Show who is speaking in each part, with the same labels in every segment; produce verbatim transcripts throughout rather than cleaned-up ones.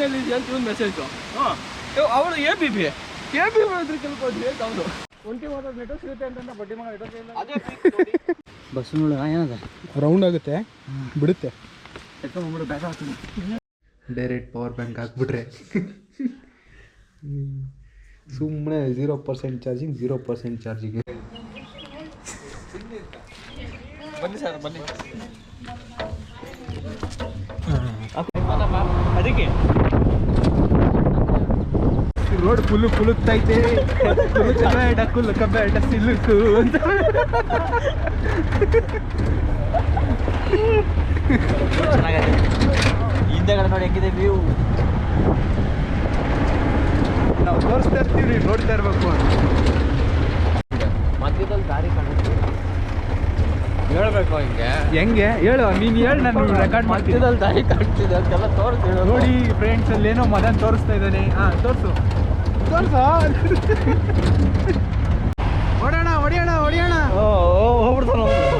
Speaker 1: ನೀನೆಲ್ಲಿದ್ಯಾ ಅಂತ ಇವನು ಮೆಸೇಜು. ಹಾಂ ಅವಳು A B B A B ಮಾಡಿದ್ರೆ ಕೇಳ್ಕೊಂಡ್ವಿ ಅಂತ ಅವನು ಒಂಟಿ ಮಾತಾಡ್ ನೆಟ್ವರ್ಕ್ ಸಿಗುತ್ತೆ ಅಂತ ಬಡ್ಡಿ ಮಗ ನೆಟ್ವರ್ಕ್ ಇಲ್ಲ. ಅದೇ ಬಸ್ ನೋಡಿ ಏನದ ರೌಂಡ್ ಆಗುತ್ತೆ ಬಿಡುತ್ತೆ ಎತ್ಕೊಂಡ್ಬಿಡು ಬ್ಯಾಗ್ ಹಾಕ್ತೀನಿ. ಡೈರೆಕ್ಟ್ ಪವರ್ ಬ್ಯಾಂಕ್ ಹಾಕ್ಬಿಟ್ರೆ ಸುಮ್ಮನೆ zero percent charging zero percent charging. ಬನ್ನಿ ಸರ್ ಬನ್ನಿ. ಅದಕ್ಕೆ ರೋಡ್ ಫುಲ್ಲು ಕುಲುಕ್ತೈತೆ ಬೇಡ ಕುಲುಕ ಬೇಡ ಸಿಲುಕು ಅಂತ. ಹಿಂದೆಗಡೆ ನೋಡಿ ಹೆಂಗಿದೆ ವ್ಯೂ. ನಾವು ತೋರಿಸ್ತಾ ಇರ್ತೀವಿ ನೋಡ್ತಾ ಇರ್ಬೇಕು ಅಂತ. ಮಧ್ಯದಲ್ಲಿ ದಾರಿ ಕಾಣುತ್ತೆ ಹೇಳ್ಬೇಕು ಹಿಂಗೆ ಹೆಂಗೆ ಹೇಳು ನೀನು ಹೇಳು. ನಾನು ರೆಕಾರ್ಡ್ ಮಧ್ಯದಲ್ಲಿ ದಾರಿ ಕಾಣ್ತಿದೆ ಅಂತೆಲ್ಲ ತೋರಿಸ್ತೀವಿ. ನೋಡಿ ಫ್ರೆಂಡ್ಸ್ ಅಲ್ಲಿ ಏನೋ ಮದನ್ ತೋರಿಸ್ತಾ ಇದ್ದಾನೆ. ಹಾಂ ತೋರಿಸು ತೋರಿಸು ಹೊಡೆಯೋಣ ಹೊಡೆಯೋಣ ಹೊಡೆಯೋಣ ಹೋಗ್ಬಿಡ್ತಾನ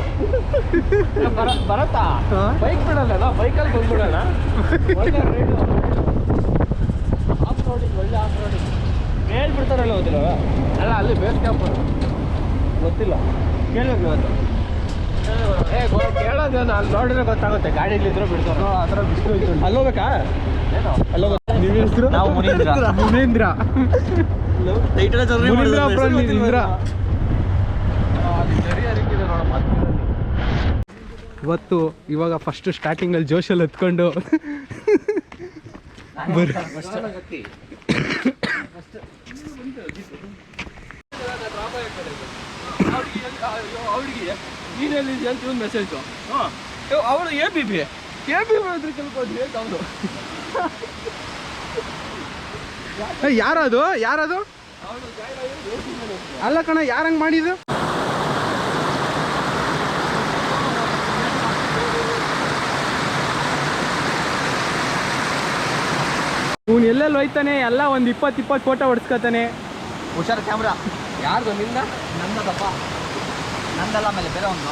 Speaker 1: ಬರತ್ತಾ ಬೈಕ್ ಬಿಡಲ್ಲ ಬೈಕಲ್ಲಿ ಬಂದ್ಬಿಡೋಣ. ಒಳ್ಳೆ ರೈಡು ಆಫ್ ರೋಡಿಂಗ್ ಒಳ್ಳೆ ಆಫ್ ರೋಡಿಂಗ್ ಮೇಲ್ ಬಿಡ್ತಾರಲ್ಲ ಹೋದಿಲ್ಲ ಅಲ್ಲ ಅಲ್ಲಿ ಬೇಸ್ ಕ್ಯಾಂಪ್ ಗೊತ್ತಿಲ್ಲ ಕೇಳಬೇಕು ಇವತ್ತು. ಏ ಕೇಳೋದೇನು ಅಲ್ಲಿ ನೋಡಿದ್ರೆ ಗೊತ್ತಾಗುತ್ತೆ. ಗಾಡಿಲಿದ್ರು ಬಿಡ್ತಾರೋ ಆ ಥರ ಬಿಸಿಲು ಇತ್ತು. ಅಲ್ಲಿ ಹೋಗ್ಬೇಕಾ ಏನೋ ಅಲ್ಲಿ ಹೋಗ. ನಿಮ್ಮ ಹೆಸರು? ನಾವು ಮುನೀಂದ್ರ. ಮುನೀಂದ್ರ ಮುನೀಂದ್ರ ಇವತ್ತು ಇವಾಗ ಫಸ್ಟ್ ಸ್ಟಾರ್ಟಿಂಗಲ್ಲಿ ಜೋಶಲ್ಲಿ ಹತ್ಕೊಂಡು ಅವಳಿಗೆ ನೀನೆಲ್ಲಿದ್ಯಾ ಅಂತ ಇವನು ಮೆಸೇಜು. ಹಾಂ ಅವಳು A B B A B ಮಾಡಿದ್ರೆ ಕೇಳ್ಕೊಂಡ್ವಿ ಅಂತ ಅವನು. ಯಾರದು ಯಾರದು ಅಲ್ಲ ಕಣ ಯಾರಂಗೆ ಮಾಡಿದ್ದು? ಇವನು ಎಲ್ಲೆಲ್ಲಿ ಹೋಯ್ತಾನೆ ಎಲ್ಲ ಒಂದು ಇಪ್ಪತ್ತು ಇಪ್ಪತ್ತು ಫೋಟೋ ಹೊಡ್ಸ್ಕೊತಾನೆ. ಹುಷಾರು ಕ್ಯಾಮ್ರಾ ಯಾರ್ದು? ನಿಂದ? ನಂದದಪ್ಪ ನಂದಲ್ಲ ಆಮೇಲೆ ಬೇರೆ ಒಂದು.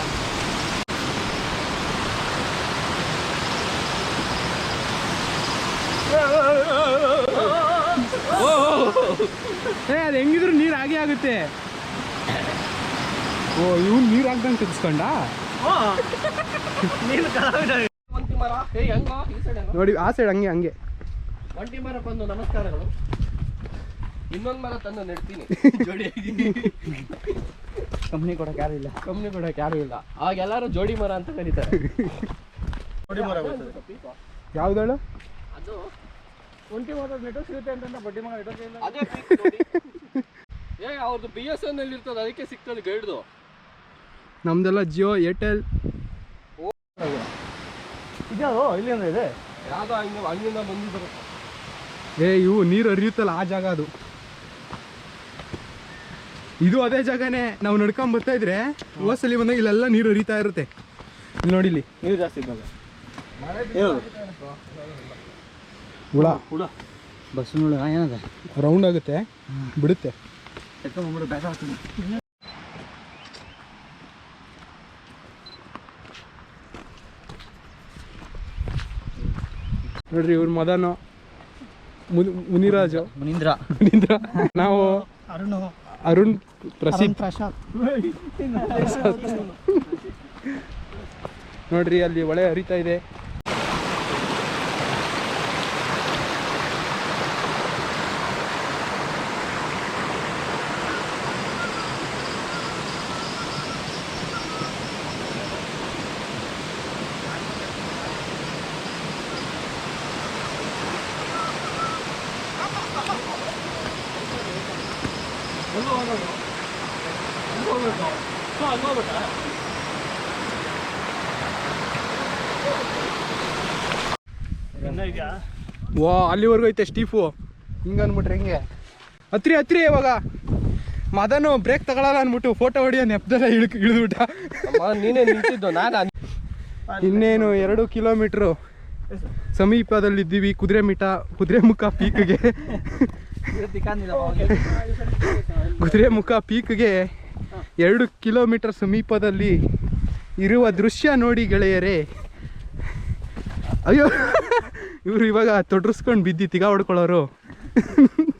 Speaker 1: ಏ ಅದು ಹೆಂಗಿದ್ರು ನೀರು ಹಾಗೆ ಆಗುತ್ತೆ. ಓ ಇವ್ನು ನೀರು ಹಾಕ್ದಂಗೆ ತೆಗೆಸ್ಕೊಂಡ ನೋಡಿ ಆ ಸೈಡ್ ಹಂಗೆ ಹಂಗೆ ಒಂಟಿ ಮರ ಬಂದು ನಮಸ್ಕಾರಗಳು. ಇನ್ನೊಂದು ಮರ ತಂದು ನೆಡ್ತೀನಿ ಜೋಡಿಯಾಗಿ. ಕಂಪ್ನಿ ಕೊಡಕ್ಕೆ ಯಾರು ಇಲ್ಲ ಕಂಪ್ನಿ ಕೊಡಕ್ಕೆ ಯಾರು ಇಲ್ಲ ಆಗ ಎಲ್ಲರೂ ಜೋಡಿ ಮರ ಅಂತ ಕರೀತಾರೆ. ಜೋಡಿ ಮರ ಯಾವ್ದು? ಅದು ಒಂಟಿ ಮರ ನೆಟ್ವರ್ಕ್ ಸಿಗುತ್ತೆ ಅಂತ ಬಡ್ಡಿ ಮಗ ನೆಟ್ವರ್ಕ್ ಇಲ್ಲ. ಅದೇ ಏ ಅವ್ರದ್ದು ಬಿ ಎಸ್ ಎನ್ ಎಲ್ ಇರ್ತದೆ ಅದಕ್ಕೆ ಸಿಗ್ತದೆ ಗೈಡ್ದು. ನಮ್ದೆಲ್ಲ ಜಿಯೋ ಏರ್ಟೆಲ್. ಇದ್ಯಾವುದು ಇಲ್ಲಿಂದ ಇದೆ ಯಾವುದೋ ಹಂಗೆ ಹಂಗಿಂದ ಬಂದಿದ್ದಾರೆ. ಏ ಇವು ನೀರು ಹರಿಯುತ್ತಲ್ಲ ಆ ಜಾಗ ಅದು. ಇದು ಅದೇ ಜಾಗನೇ. ನಾವು ನಡ್ಕೊಂಡ್ ಬರ್ತಾ ಇದ್ರೆ ಹೋಸಲಿ ಬಂದಾಗ ಇಲ್ಲೆಲ್ಲ ನೀರು ಹರಿತಾ ಇರುತ್ತೆ. ಇಲ್ಲಿ ನೋಡಿ ಇಲ್ಲಿ ನೀರು ಜಾಸ್ತಿ ಇದ್ದಾಗ ಹುಳ ಹುಳ ಬಸ್ ಹುಳ ಏನದ ರೌಂಡ್ ಆಗುತ್ತೆ ಬಿಡುತ್ತೆ ಎತ್ಕೊಂಡ್ಬಿಡು ಬ್ಯಾಗ್ ಹಾಕ್ತೀನಿ. ನೋಡ್ರಿ ಇವ್ರ ಮದನು ಮುನಿರಾಜು ಮುನೀಂದ್ರ ಮುನೀಂದ್ರ ನಾವು ಅರುಣ್ ಅರುಣ್ ಪ್ರಸಿದ್ಧ ಪ್ರಸಾದ್. ನೋಡ್ರಿ ಅಲ್ಲಿ ಹೊಳೆ ಹರಿತಾ ಇದೆ. ವಾ ಅಲ್ಲಿವರೆಗೂ ಐತೆ ಸ್ಟೀಫು. ಹಿಂಗ ಅನ್ಬಿಟ್ರೆ ಹೆಂಗೆ ಹತ್ರಿ ಹತ್ರಿ ಇವಾಗ ಮದನು ಬ್ರೇಕ್ ತಗೊಳಲ್ಲ ಅನ್ಬಿಟ್ಟು ಫೋಟೋ ಹೊಡಿಯೋ ನೆಪದಲ್ಲ ಇಳಿದು ಇಳಿದ್ಬಿಟ್ಟ. ನೀನೇ ನಿಂತಿದ್ದು ನಾನು. ಇನ್ನೇನು ಎರಡು ಕಿಲೋಮೀಟ್ರು ಸಮೀಪದಲ್ಲಿದ್ದೀವಿ ಕುದುರೆಮುಖ ಕುದುರೆಮುಖ ಪೀಕ್ಗೆ. ಕುದುರೆಮುಖ ಪೀಕ್ಗೆ ಎರಡು ಕಿಲೋಮೀಟರ್ ಸಮೀಪದಲ್ಲಿ ಇರುವ ದೃಶ್ಯ ನೋಡಿ ಗೆಳೆಯರೇ.
Speaker 2: ಅಯ್ಯೋ ಇವ್ರು ಇವಾಗ ತೊಡ್ರಿಸ್ಕೊಂಡು ಬಿದ್ದು ತಿಗ ಹೊಡ್ಕೊಳ್ಳೋರು